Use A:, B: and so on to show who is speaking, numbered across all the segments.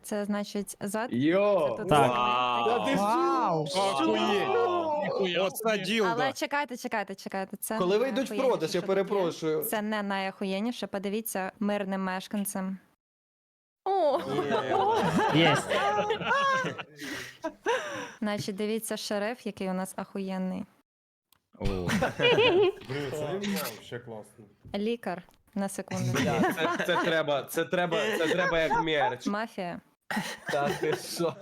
A: це значить зад.
B: Йо!
A: Це тут
C: Так.
B: Та ти
D: Вау!
E: Оце ділда.
A: Але чекайте. Це
B: Коли
A: не
B: вийдуть в
A: найахуєнніше,
B: продаж, я
A: що тут є.
B: перепрошую.
A: Це не найахуєнніше. Подивіться мирним мешканцям. О!
C: Єсть.
A: Значить, дивіться шериф, який у нас ахуєнний.
F: Ще класно.
A: Лікар. На секунду.
B: Бля, це треба як мерч.
A: Мафія.
B: Та ти що?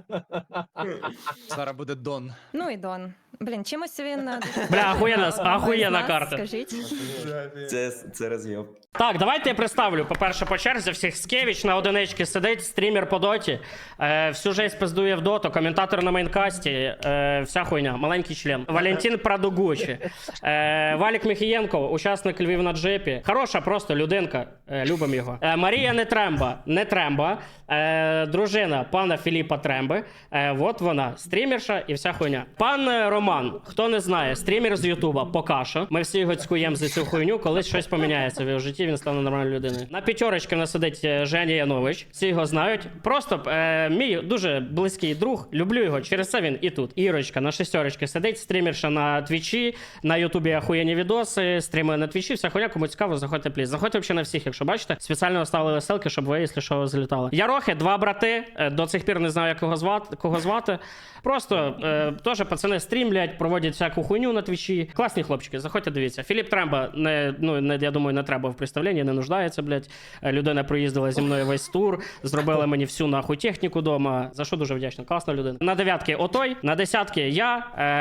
E: Зараз буде Дон.
A: Ну і Дон. Блін, чимось він...
C: Бля, ахуєнна карта.
A: Скажіть.
G: Це роз'єб.
C: Так, давайте я представлю. По-перше, по черзі всіх Скевіч на одиничці сидить, стрімер по доті. Всю жесть пиздує в доту, коментатор на мейнкасті, вся хуйня, маленький член. Валентин Прадугучі. Валік Міхієнко, учасник Львів на джипі. Хороша просто людинка, любимо його. Марія Нетремба, дружина пана Філіпа Тремби. От вона, стрімерша і вся хуйня. Пан Роман, хто не знає, стрімер з Ютуба, поки що. Ми всі його цькуємо за цю хуйню, колись щось поміняється в його житті, він стане нормальною людиною. На п'ятерочці в нас сидить Женя Янович, всі його знають. Просто мій дуже близький друг, люблю його, через це він і тут. Ірочка на шестерочці сидить, стрімерша на Твічі, на Ютубі ахуєнні відоси, стрімує на Твічі, вся хуйня, кому цікаво, заходьте пліз. Заходьте взагалі на всіх, якщо бачите. Спеціально оставили ссылки, щоб ви, якщо що, залітали. Ярохи, два брати, до цих пір не знаю, як кого звати. Просто теж пацани стрімлять, проводять всяку хуйню на Твічі. Класні хлопчики, заходьте, дивіться. Філіп Тремба, я думаю, не треба в представленні, не нуждається, блядь. Людина проїздила зі мною весь тур, зробила мені всю нахуй техніку дома. За що дуже вдячна, класна людина. На дев'ятки отой, на десятки я.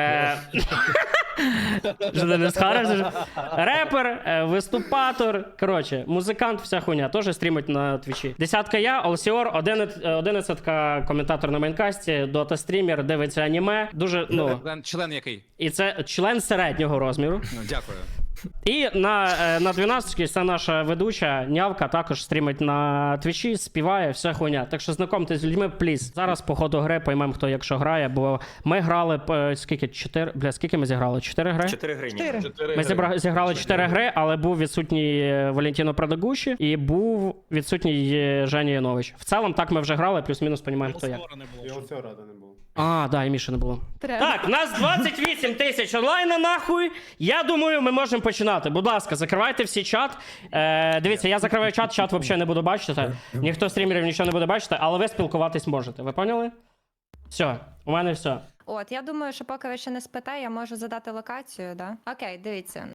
C: Репер, виступатор, коротше, музикант, вся хуйня, теж стрімить на Твічі. Десятка я, Олсіор, 11-ка коментатор на мейнкасті, дота-стрімер, дивиться аніме, дуже,
E: Член який?
C: і це член середнього розміру.
E: Ну, дякую.
C: І на 12-й це наша ведуча Нявка, також стрімить на Твічі, співає, вся хуйня. Так що знайомтесь з людьми, пліз. Зараз по ходу гри поймемо, хто якщо грає, бо ми грали, скільки ми зіграли? 4 гри?
G: 4 гривні.
D: 4.
C: Ми зіграли 4 гри, але був відсутній Валентіно Прадагуші і був відсутній Женя Янович. В цілому так ми вже грали, плюс-мінус розуміємо, хто як.
F: І оцього рада не було.
C: Да, і Міші не було.
A: Треба.
C: Так, нас 28 тисяч онлайна, нахуй. Я думаю, ми можемо починати. Будь ласка, закривайте всі чат. Дивіться, я закриваю чат взагалі не буду бачити. Ніхто з стрімерів нічого не буде бачити, але ви спілкуватись можете. Ви поняли? Все, у мене все.
A: От, я думаю, що поки ви ще не спите, я можу задати локацію, да? Окей, дивіться.